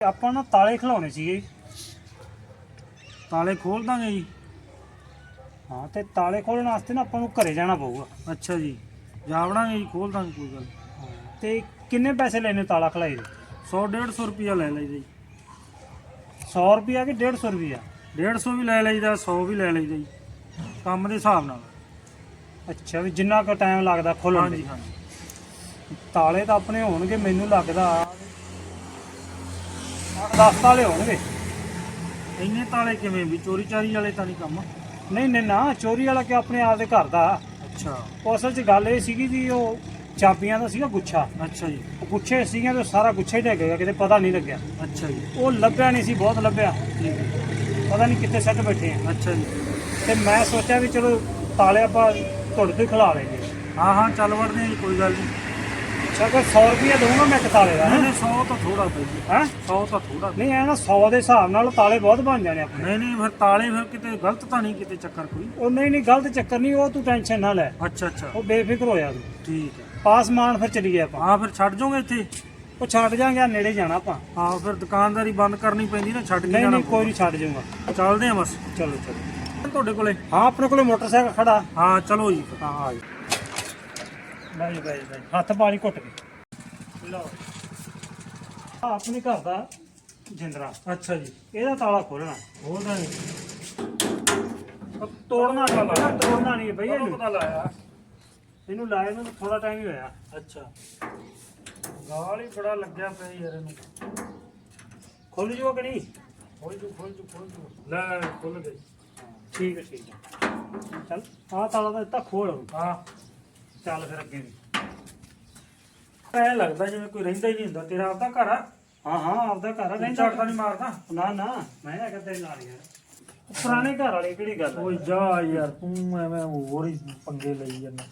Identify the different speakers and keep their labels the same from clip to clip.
Speaker 1: ਆਪਾਂ ਨਾ ਤਾਲੇ ਖਿਲਾਉਣੇ ਸੀਗੇ।
Speaker 2: ਤਾਲੇ ਖੋਲ ਦਾਂਗੇ ਜੀ।
Speaker 1: ਹਾਂ ਤੇ ਤਾਲੇ ਖੋਲਣ ਵਾਸਤੇ ਨਾ ਆਪਾਂ ਨੂੰ ਘਰੇ ਜਾਣਾ ਪਊਗਾ।
Speaker 2: ਅੱਛਾ ਜੀ, ਜਾ ਵੜਾਂਗੇ ਜੀ, ਖੋਲ ਦਾਂਗੇ, ਕੋਈ ਗੱਲ।
Speaker 1: ਤੇ ਕਿੰਨੇ ਪੈਸੇ ਲੈਣੇ ਤਾਲਾ ਖਲਾਈ ਦੇ?
Speaker 2: 100-150 ਰੁਪਿਆ ਲੈ ਲਈਦਾ ਜੀ।
Speaker 1: 100 ਰੁਪਿਆ ਕਿ 150 ਰੁਪਿਆ?
Speaker 2: 150 ਵੀ ਲੈ ਲਈਦਾ, 100 ਵੀ ਲੈ ਲਈਦਾ ਜੀ, ਕੰਮ ਦੇ ਹਿਸਾਬ ਨਾਲ।
Speaker 1: ਅੱਛਾ, ਵੀ ਜਿੰਨਾ ਕੁ ਟਾਈਮ ਲੱਗਦਾ ਖੋਲਣ
Speaker 2: ਹਾਂਜੀ
Speaker 1: ਦੇ।
Speaker 2: ਹਾਂਜੀ।
Speaker 1: ਤਾਲੇ ਤਾਂ ਆਪਣੇ ਹੋਣਗੇ, ਮੈਨੂੰ ਲੱਗਦਾ 8-10 ਤਾਲੇ ਹੋਣਗੇ।
Speaker 2: ਇੰਨੇ ਤਾਲੇ ਕਿਵੇਂ, ਵੀ ਚੋਰੀ ਚਾਰੀ ਵਾਲੇ ਤਾਂ ਨਹੀਂ ਕੰਮ?
Speaker 1: ਨਹੀਂ ਨਹੀਂ ਨਾ, ਚੋਰੀ ਵਾਲਾ ਕਿ ਆਪਣੇ ਆਪ ਦੇ ਘਰ ਦਾ।
Speaker 2: ਅੱਛਾ
Speaker 1: ਉਹ ਅਸਲ 'ਚ ਗੱਲ ਇਹ ਸੀਗੀ ਵੀ ਉਹ ਚਾਬੀਆਂ ਦਾ ਸੀਗਾ ਗੁੱਛਾ।
Speaker 2: ਅੱਛਾ ਜੀ।
Speaker 1: ਉਹ ਗੁੱਛੇ ਸੀਗੀਆਂ ਤੇ ਸਾਰਾ ਗੁੱਛਾ ਹੀ ਡਿੱਗ ਗਿਆ, ਕਿਤੇ ਪਤਾ ਨਹੀਂ ਲੱਗਿਆ।
Speaker 2: ਅੱਛਾ ਜੀ,
Speaker 1: ਉਹ ਲੱਭਿਆ ਨਹੀਂ ਸੀ, ਬਹੁਤ ਲੱਭਿਆ,
Speaker 2: ਠੀਕ ਹੈ।
Speaker 1: ਪਤਾ ਨਹੀਂ ਕਿੱਥੇ ਸੱਟ ਬੈਠੇ ਆ।
Speaker 2: ਅੱਛਾ ਜੀ।
Speaker 1: ਤੇ ਮੈਂ ਸੋਚਿਆ ਵੀ ਚਲੋ ਤਾਲੇ ਆਪਾਂ ਤੁਹਾਡੇ ਤੋਂ ਹੀ ਖਿਲਾ ਲੈਂਗੇ।
Speaker 2: ਹਾਂ ਹਾਂ, ਚੱਲ ਵੜਦੇ ਜੀ, ਕੋਈ ਗੱਲ ਨਹੀਂ।
Speaker 1: ਅੱਛਾ, ਕੋਈ 100 ਰੁਪਇਆ ਦਊਂਗਾ ਮੈਂ ਇੱਕ ਤਾਲੇ ਦਾ।
Speaker 2: ਨਹੀਂ 100 ਤਾਂ ਥੋੜਾ ਪਈ ਜੀ।
Speaker 1: ਹੈਂ
Speaker 2: 100 ਤਾਂ ਥੋੜਾ।
Speaker 1: ਨਹੀਂ ਐ ਨਾ 100 ਦੇ ਹਿਸਾਬ ਨਾਲ ਤਾਲੇ ਬਹੁਤ ਬਣ ਜਾਣੇ ਆਪਣੇ।
Speaker 2: ਨਹੀਂ ਨਹੀਂ, ਫਿਰ ਤਾਲੇ ਫਿਰ ਕਿਤੇ ਗਲਤ ਤਾਂ ਨਹੀਂ, ਕਿਤੇ ਚੱਕਰ ਕੋਈ?
Speaker 1: ਉਹ ਨਹੀਂ ਨਹੀਂ, ਗਲਤ ਚੱਕਰ ਨਹੀਂ, ਉਹ ਤੂੰ ਟੈਨਸ਼ਨ ਨਾ ਲੈ।
Speaker 2: ਅੱਛਾ ਅੱਛਾ,
Speaker 1: ਉਹ ਬੇਫਿਕਰ ਹੋ ਜਾ ਤੂੰ।
Speaker 2: ਠੀਕ ਹੈ।
Speaker 1: ਪਾਸਮਾਨ ਫਿਰ ਚਲੀ ਗਿਆ ਆਪਾਂ।
Speaker 2: ਹਾਂ, ਫਿਰ ਛੱਡ ਜਾਓਗੇ ਇੱਥੇ?
Speaker 1: ਉਹ ਛੱਡ ਜਾਾਂਗੇ, ਨੇੜੇ ਜਾਣਾ ਆਪਾਂ।
Speaker 2: ਹਾਂ, ਫਿਰ ਦੁਕਾਨਦਾਰੀ ਬੰਦ ਕਰਨੀ ਪੈਂਦੀ ਨਾ, ਛੱਡ ਕੇ
Speaker 1: ਨਹੀਂ
Speaker 2: ਜਾਣਾ
Speaker 1: ਨਹੀਂ, ਕੋਈ ਨਹੀਂ, ਛੱਡ ਜਾਊਂਗਾ।
Speaker 2: ਚੱਲਦੇ ਆ ਬਸ।
Speaker 1: ਚਲੋ ਚਲੋ।
Speaker 2: ਤੁਹਾਡੇ ਕੋਲੇ?
Speaker 1: ਹਾਂ, ਆਪਣੇ ਕੋਲੇ ਮੋਟਰਸਾਈਕਲ ਖੜਾ।
Speaker 2: ਹਾਂ ਚਲੋ ਜੀ।
Speaker 1: ਹਾਂ ਆ ਜਾ। ਬਾਈ ਬਾਈ ਬਾਈ, ਹੱਥ ਪਾਣੀ ਘੁੱਟ ਕੇ ਲਓ। ਆ ਆਪਣੇ ਘਰ ਦਾ ਜਿੰਦਰਾ।
Speaker 2: ਅੱਛਾ ਜੀ,
Speaker 1: ਇਹਦਾ ਤਾਲਾ ਖੋਲਣਾ।
Speaker 2: ਉਹਦਾ ਨਹੀਂ
Speaker 1: ਤੋੜਨਾ ਨਹੀਂ, ਤੋੜਨਾ ਨਹੀਂ ਬਈ। ਇਹਨੂੰ
Speaker 2: ਪਤਾ ਲਾਇਆ।
Speaker 1: ਇਹਨੂੰ ਲਾਏ ਨੂੰ ਥੋੜਾ ਟਾਈਮ ਹੀ ਹੋਇਆ।
Speaker 2: ਅੱਛਾ, ਗਾਲ ਹੀ ਬੜਾ ਲੱਗਿਆ ਪਿਆ ਯਾਰ ਇਹਨੂੰ।
Speaker 1: ਖੁੱਲ ਜੂਗਾ ਕਿ ਨਹੀਂ?
Speaker 2: ਖੋਲ ਜੂ ਖੋਲ ਜੂ ਖੋਲ ਜੂ। ਲੈ ਖੁੱਲ ਗਈ।
Speaker 1: ਠੀਕ ਹੈ ਠੀਕ ਹੈ। ਚੱਲ ਆਹ ਤਾਲਾ ਤਾਂ ਦਿੱਤਾ, ਖੋਲ।
Speaker 2: ਹਾਂ,
Speaker 1: ਚੱਲ ਫਿਰ ਅੱਗੇ ਵੀ।
Speaker 2: ਐ ਲੱਗਦਾ ਜਿਵੇਂ ਕੋਈ ਰਹਿੰਦਾ ਹੀ ਨਹੀਂ ਹੁੰਦਾ। ਤੇਰਾ ਆਪਦਾ ਘਰ ਆ?
Speaker 1: ਹਾਂ ਹਾਂ, ਆਪਦਾ ਘਰ ਆ।
Speaker 2: ਨਹੀਂ
Speaker 1: ਰਹਿੰਦਾ
Speaker 2: ਝਾੜਦਾ ਨਹੀਂ ਮਾਰਦਾ?
Speaker 1: ਨਾ ਨਾ, ਮੈਂ ਹੈਗਾ ਤੇਰੇ ਨਾਲ ਯਾਰ। ਪੁਰਾਣੇ ਘਰ ਵਾਲੀ ਕਿਹੜੀ ਗੱਲ ਆ?
Speaker 2: ਓਏ ਜਾ ਯਾਰ, ਤੂੰ ਐਵੇਂ ਹੋਰ ਹੀ ਪੰਗੇ ਲਈ ਜਾਂਦਾ।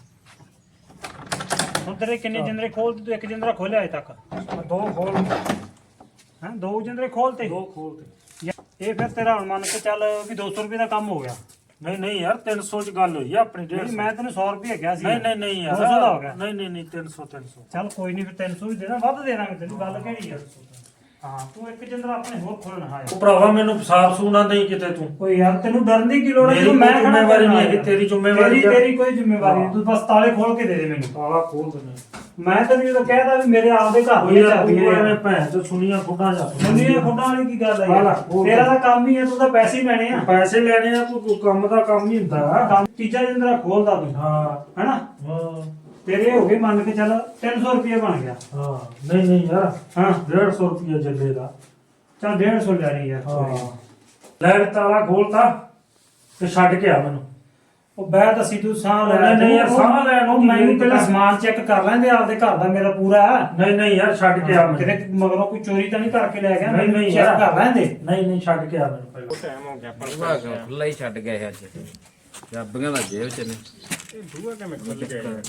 Speaker 1: ਹੁਣ ਤੇਰੇ ਕਿੰਨੇ ਜਿੰਦਰੇ ਖੋਲਤੇ? ਤੂੰ ਇੱਕ ਜਿੰਦਰਾ ਖੋਲਿਆ ਅਜੇ ਤੱਕ?
Speaker 2: ਦੋ ਖੋਲ।
Speaker 1: ਹੈਂ, ਦੋ ਜਿੰਦਰੇ ਖੋਲਤੇ?
Speaker 2: ਦੋ ਖੋਲ ਤੇ।
Speaker 1: ਇਹ ਫਿਰ ਤੇਰਾ ਹੁਣ ਮੰਨ ਕੇ ਚੱਲ ਵੀ 200 ਰੁਪਏ ਦਾ ਕੰਮ ਹੋ ਗਿਆ।
Speaker 2: ਨਹੀਂ ਨਹੀਂ ਯਾਰ, 300 ਚ ਗੱਲ ਹੋਈ ਆ ਆਪਣੀ।
Speaker 1: ਨਹੀਂ,
Speaker 2: 150
Speaker 1: ਮੈਂ ਤੈਨੂੰ 100 ਰੁਪਏ ਕਿਹਾ ਸੀ।
Speaker 2: ਨਹੀਂ ਨਹੀਂ ਨਹੀਂ ਯਾਰ,
Speaker 1: 200 ਦਾ ਹੋ ਗਿਆ।
Speaker 2: ਨਹੀਂ ਨਹੀਂ ਨਹੀਂ, 300 300।
Speaker 1: ਚੱਲ ਕੋਈ ਨਹੀਂ, ਫਿਰ 300 ਵੀ ਦੇਣਾ, ਵੱਧ ਦੇ ਦਾਂਗੇ ਤੈਨੂੰ। ਗੱਲ ਕਿਹੜੀ ਆ? ਹਾਂ, ਤੂੰ ਇੱਕ ਜਿੰਦਰਾ ਆਪਣੇ ਹੋਰ ਖੋਲਣਾ। ਹਾਂ
Speaker 2: ਉਹ ਭਰਾਵਾ, ਮੈਨੂੰ ਸਾਫ ਸੂਨਾ ਨਹੀਂ ਕਿਤੇ ਤੂੰ।
Speaker 1: ਓਏ ਯਾਰ, ਤੈਨੂੰ ਡਰਨ ਦੀ ਕੀ ਲੋੜ ਹੈ?
Speaker 2: ਮੇਰੀ
Speaker 1: ਮੈਂ
Speaker 2: ਜ਼ਿੰਮੇਵਾਰੀ ਨਹੀਂ ਹੈਗੀ, ਤੇਰੀ ਜ਼ਿੰਮੇਵਾਰੀ ਆ।
Speaker 1: ਤੇਰੀ ਕੋਈ ਜ਼ਿੰਮੇਵਾਰੀ ਨਹੀਂ। ਤੂੰ ਬਸ ਤਾਲੇ ਖੋਲ ਕੇ ਦੇ ਦੇ ਮੈਨੂੰ।
Speaker 2: ਤਾਲਾ ਖੋਲ ਦੇਣਾ।
Speaker 1: ਮੈਂ ਤੈਨੂੰ ਜਦੋਂ ਕਹਿਦਾ ਵੀ ਮੇਰੇ ਆਪਦੇ ਘਰ
Speaker 2: ਓਏ
Speaker 1: ਦੀ
Speaker 2: ਯਾਰ,
Speaker 1: ਚਾਬੀ
Speaker 2: ਤੂੰ
Speaker 1: ਹੈ।
Speaker 2: ਐਵੇਂ ਭੈਣ ਚ ਸੁਣੀਆਂ ਖੁੱਡਾਂ ਜਾ।
Speaker 1: ਦੁਨੀਆ ਖੁੱਡਾਂ ਵਾਲੀ ਕੀ ਗੱਲ ਹੈ
Speaker 2: ਹਾਂ,
Speaker 1: ਯਾਰ?
Speaker 2: ਖੋਲ
Speaker 1: ਤੇਰਾ
Speaker 2: ਦੇ।
Speaker 1: ਤਾਂ ਕੰਮ ਹੀ ਹੈ, ਤੂੰ ਤਾਂ ਪੈਸੇ ਹੀ ਲੈਣੇ ਆ।
Speaker 2: ਪੈਸੇ ਲੈਣੇ ਆ, ਤੂੰ ਕੰਮ ਦਾ ਕੰਮ ਹੀ ਹੁੰਦਾ।
Speaker 1: ਕੰਮ ਤੀਜਾ ਜਿੰਦਰਾ ਖੋਲਦਾ ਤੂੰ,
Speaker 2: ਹਾਂ
Speaker 1: ਹੈਨਾ?
Speaker 2: ਹਾਂ
Speaker 1: ਤੇਰੇ ਹੋ ਗਏ ਮੰਨ ਕੇ ਚੱਲ 300 ਰੁਪਏ ਬਣ ਗਿਆ।
Speaker 2: ਹਾਂ। ਨਹੀਂ ਨਹੀਂ ਯਾਰ,
Speaker 1: ਹਾਂ
Speaker 2: 150 ਰੁਪਏ ਜੱਲੇ ਦਾ।
Speaker 1: ਚੱਲ 150 ਲੈ ਲਈ ਯਾਰ।
Speaker 2: ਹਾਂ, ਲੈ ਤਾਲਾ ਖੋਲਤਾ ਤੇ ਛੱਡ ਕੇ ਆ ਮੈਨੂੰ।
Speaker 1: ਉਹ ਬਹਿ ਦੱਸੀ ਤੂੰ ਸਾਹ ਲੈ।
Speaker 2: ਨਹੀਂ ਨਹੀਂ ਯਾਰ, ਸਾਹ ਲੈਣ ਨੂੰ
Speaker 1: ਉਹ ਮੈਨੂੰ
Speaker 2: ਕੀ
Speaker 1: ਪਹਿਲਾਂ
Speaker 2: ਪਤਾ।
Speaker 1: ਸਮਾਨ ਚੈੱਕ ਕਰ ਲੈਂਦੇ, ਆਪਦੇ ਘਰ ਦਾ ਮੇਰਾ ਪੂਰਾ ਹੈ।
Speaker 2: ਨਹੀਂ ਨਹੀਂ ਯਾਰ, ਛੱਡ ਕੇ ਆ ਮੈਨੂੰ।
Speaker 1: ਕਿਤੇ ਮਗਰੋਂ ਕੋਈ ਚੋਰੀ ਤਾਂ ਨਹੀਂ ਕਰਕੇ ਲੈ ਗਿਆ?
Speaker 2: ਨਹੀਂ ਨਹੀਂ
Speaker 1: ਚੈੱਕ
Speaker 2: ਯਾਰ,
Speaker 1: ਕਰ ਲੈਂਦੇ।
Speaker 2: ਨਹੀਂ ਨਹੀਂ, ਛੱਡ ਕੇ ਆ ਮੈਨੂੰ ਪਹਿਲਾਂ।
Speaker 1: ਟਾਈਮ ਹੋ ਗਿਆ
Speaker 3: ਬੂਹਾ ਕਿਉਂ ਖੁੱਲਾ ਹੀ ਛੱਡ ਗਏ ਅੱਜ? ਚਾਬੀਆਂ ਦਾ ਜੇਬ ਚ ਨੇ।
Speaker 1: ਇਹ ਬੂਹਾ ਕਿਵੇਂ ਖੁੱਲ ਗਿਆ?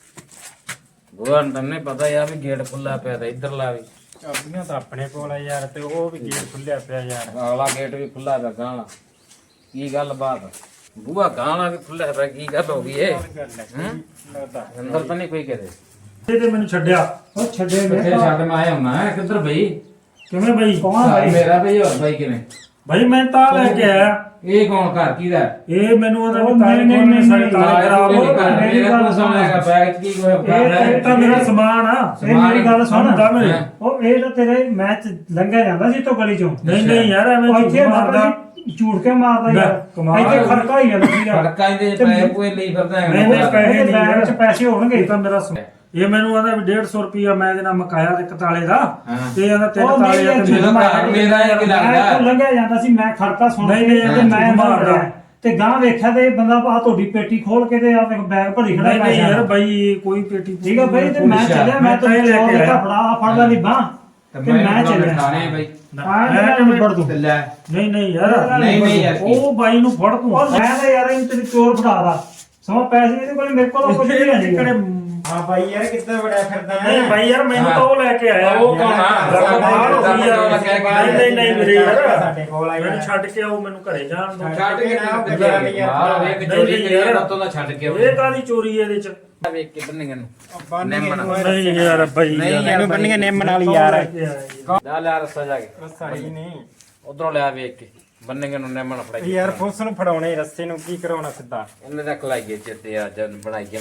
Speaker 3: ਬੂਹਾ ਨੂੰ ਤੈਨੂੰ ਪਤਾ ਯਾਰ ਵੀ ਗੇਟ ਖੁੱਲਾ ਪਿਆ ਤੇ ਇੱਧਰ ਲਾ ਵੀ।
Speaker 1: ਚਾਬੀਆਂ ਤਾਂ ਆਪਣੇ ਕੋਲ ਆ ਯਾਰ, ਤੇ ਉਹ ਵੀ ਗੇਟ ਖੁੱਲਿਆ ਪਿਆ ਯਾਰ।
Speaker 3: ਅਗਲਾ ਗੇਟ ਵੀ ਖੁੱਲਾ ਪਿਆ ਗਾਣਾ। ਕੀ ਗੱਲ ਬਾਤ? ਬੂਹਾ ਗਾਣਾ ਵੀ ਖੁੱਲਾ ਪਿਆ, ਕੀ ਗੱਲ ਹੋ ਗਈ ਏ? ਹੈਂ? ਅੰਦਰ ਤਾਂ ਨਹੀਂ ਕੋਈ ਕਿਤੇ?
Speaker 2: ਇਹ ਤੇ ਮੈਨੂੰ ਛੱਡਿਆ।
Speaker 1: ਉਹ ਛੱਡੇ
Speaker 3: ਕਿੱਥੇ ਛੱਡ ਮੈਂ ਆਇਆ ਹੁਣਾ? ਕਿੱਧਰ ਬਈ?
Speaker 2: ਕਿਵੇਂ ਬਈ?
Speaker 1: ਕੌਣ ਭਾਈ?
Speaker 3: ਮੇਰਾ ਬਈ ਹੋਰ ਬਈ ਕਿਵੇਂ?
Speaker 2: ਬਈ ਮੈਂ ਤਾਂ ਲੈ ਕੇ ਆਇਆ।
Speaker 3: ਇਹ ਕੌਣ ਘਰ ਕਿਹਦਾ?
Speaker 2: ਇਹ ਮੈਨੂੰ ਉਹਦਾ
Speaker 1: ਉਹ
Speaker 2: ਵੀ ਤਾਲੇ
Speaker 1: ਨਹੀਂ,
Speaker 2: ਖੋਲਣੇ, ਸਾਡੇ
Speaker 1: ਨਹੀਂ,
Speaker 2: ਤਾਲੇ ਖਰਾਬ ਹੋ ਗਏ।
Speaker 1: ਮੇਰੀ ਗੱਲ ਸੁਣ।
Speaker 3: ਬੈਗ ਕੀ ਕੋਈ
Speaker 2: ਇਹ ਤਾਂ ਮੇਰਾ ਸਮਾਨ ਆ।
Speaker 1: ਇਹ ਮੇਰੀ ਗੱਲ ਸੁਣ।
Speaker 2: ਹੁੰਦਾ ਮੇਰੇ।
Speaker 3: ਹਾਂ।
Speaker 1: ਉਹ ਇਹ ਤਾਂ ਤੇਰੇ ਮੈਚ ਲੰਘਿਆ ਜਾਂਦਾ ਸੀ ਤੋਂ ਗਲੀ ਚੋਂ।
Speaker 2: ਨਹੀਂ ਨਹੀਂ ਯਾਰ, ਐਵੇਂ
Speaker 1: ਉਹ
Speaker 2: ਝੂਠ
Speaker 1: ਇੱਥੇ
Speaker 2: ਮਾਰਦਾ।
Speaker 1: ਝੂਠ ਕੇ ਮਾਰਦਾ
Speaker 2: ਲੈ,
Speaker 1: ਯਾਰ।
Speaker 2: ਕਮਾਲ
Speaker 1: ਇੱਥੇ ਖੜਕਾ ਹੀ ਜਾਂਦਾ ਸੀ ਯਾਰ।
Speaker 3: ਖੜਕਾਂ ਦੇ ਪੈਸੇ ਕੋਈ ਲਈ ਫਿਰਦਾ ਹੈ?
Speaker 2: ਨਹੀਂ, ਨਹੀਂ, ਪੈਸੇ
Speaker 1: ਇਹਦੇ ਬੈਗ 'ਚ ਪੈਸੇ ਹੋਣਗੇ।
Speaker 2: ਇਹ ਤਾਂ ਮੇਰਾ ਇਹ ਮੈਨੂੰ ਆਦਾ ਵੀ 150 ਰੁਪਿਆ ਮੈਂ ਇਹਦੇ ਨਾਲ ਮਕਾਇਆ ਇੱਕ ਤਾਲੇ ਦਾ।
Speaker 3: ਹਾਂ।
Speaker 2: ਤੇ ਇਹਦਾ 3
Speaker 1: ਉਹ
Speaker 2: ਤਾਲੇ ਆ
Speaker 1: ਨਹੀਂ,
Speaker 2: ਤੇ
Speaker 3: ਜਦੋਂ ਘਰ ਮੇਰਾ ਇਹ ਕੀ
Speaker 1: ਮੈਂ
Speaker 3: ਲੱਗਦਾ?
Speaker 1: ਇੱਥੋਂ ਲੰਘਿਆ ਜਾਂਦਾ ਸੀ, ਮੈਂ ਖੜਕਾ ਸੁਣ
Speaker 2: ਨਹੀਂ,
Speaker 1: ਕੇ
Speaker 2: ਨਹੀਂ,
Speaker 1: ਤੇ ਮੈਂ
Speaker 2: ਝੂਠ ਮਾਰਦਾ।
Speaker 1: ਮਾਰਦਾ ਤੇ ਗਾਂ ਵੇਖਿਆ ਤੇ ਇਹ ਬੰਦਾ ਆ ਤੁਹਾਡੀ ਪੇਟੀ ਖੋਲ ਕੇ ਤੇ ਆ ਬੈਗ ਭਰੀ ਖੜਾ
Speaker 2: ਨਹੀਂ ਨਹੀਂ
Speaker 1: ਪੈਸਿਆਂ
Speaker 2: ਯਾਰ
Speaker 1: ਦਾ।
Speaker 2: ਬਈ, ਕੋਈ ਪੇਟੀ
Speaker 1: ਠੀਕ ਆ ਬਈ, ਤੇ ਮੈਂ ਚੱਲਿਆ, ਮੈਂ ਤਾਂ
Speaker 2: ਤਾਂ ਇਹ ਲੈ ਕੇ ਆਇਆ।
Speaker 1: ਫੜਾ ਫੜਦਾ ਨਹੀਂ ਬਾਹ ਤੇ ਮੈਂ ਚੱਲਿਆ।
Speaker 3: ਥਾਣੇ ਬਈ।
Speaker 2: ਮੈਂ ਕਿਵੇਂ ਫੜ ਦੂੰ?
Speaker 3: ਤੇ ਲੈ।
Speaker 2: ਨਹੀਂ ਨਹੀਂ ਯਾਰ,
Speaker 3: ਨਹੀਂ ਯਾਰ,
Speaker 2: ਉਹ ਬਾਈ ਨੂੰ ਫੜ ਤੂੰ।
Speaker 1: ਉਹ ਮੈਂ ਤਾਂ ਯਾਰ ਇਹਨੂੰ ਤੇਰੀ ਚੋਰ ਫੜਾਦਾ ਸਮਾਂ ਪੈਸੇ ਇਹਦੇ ਕੋਲ, ਮੇਰੇ ਕੋਲ ਕੁਝ ਨਹੀਂ ਹੈ।
Speaker 4: ਹਾਂ ਬਾਈ ਯਾਰ, ਕਿੱਦਾਂ ਬੜਿਆ ਫਿਰਦਾ
Speaker 2: ਨਹੀਂ ਬਾਈ ਯਾਰ, ਮੈਨੂੰ ਤਾਂ ਉਹ ਲੈ ਕੇ ਆਇਆ।
Speaker 3: ਉਹ ਕੌਣ ਆ?
Speaker 2: ਕਮਾਲ ਹੋ ਗਈ ਯਾਰ। ਨਹੀਂ ਨਹੀਂ ਵੀਰੇ ਯਾਰ,
Speaker 4: ਸਾਡੇ ਕੋਲ ਆਇਆ।
Speaker 2: ਮੈਨੂੰ ਛੱਡ ਕੇ ਆਓ, ਮੈਨੂੰ ਘਰੇ ਜਾਣ ਦੋ।
Speaker 3: ਛੱਡ ਕੇ ਨਾ
Speaker 4: ਗੁਜ਼ਾਰਾ ਨਹੀਂ ਯਾਰ।
Speaker 3: ਮਾਰ ਵੇਖ ਚੋਰੀ ਕਰੀ ਨਾ ਤੋਂ ਨਾ ਛੱਡ ਕੇ ਆਓ।
Speaker 2: ਇਹ ਕਾਹਦੀ ਚੋਰੀ ਹੈ ਇਹਦੇ ਚ?
Speaker 3: ਵੇਖ ਕੇ ਬੰਨੇਗੇ ਨੂੰ
Speaker 4: ਬੰਨ੍ਹਗੇ
Speaker 3: ਨਿੰਮ ਨਾਲ।
Speaker 4: ਨੂੰ।
Speaker 1: ਨਹੀਂ ਯਾਰ ਬਈ
Speaker 3: ਨਹੀਂ ਯਾਰ
Speaker 4: ਇਹਨੂੰ ਬੰਨ੍ਹਗੇ ਨਿੰਮ ਨਾਲ ਹੀ ਯਾਰ
Speaker 3: ਲੈ ਲਿਆ ਰਸਾ ਜਾ ਕੇ
Speaker 4: ਸਹੀ ਨਹੀਂ
Speaker 3: ਉਧਰੋਂ ਲਿਆ ਵੇਖ ਕੇ ਬੰਨੇਗੇ ਨੂੰ ਨਿੰਮ ਨਾਲ ਫੜਾਈ
Speaker 4: ਯਾਰ ਪੁਲਿਸ ਨੂੰ ਫੜਾਉਣੇ ਰਸਤੇ ਨੂੰ ਕੀ ਕਰਾਉਣਾ ਸਿੱਧਾ
Speaker 3: ਇਹਨੇ ਰੱਖ ਲਾਈਏ ਚਿੱਤੇ ਆ ਜਨ ਬਣਾਈਏ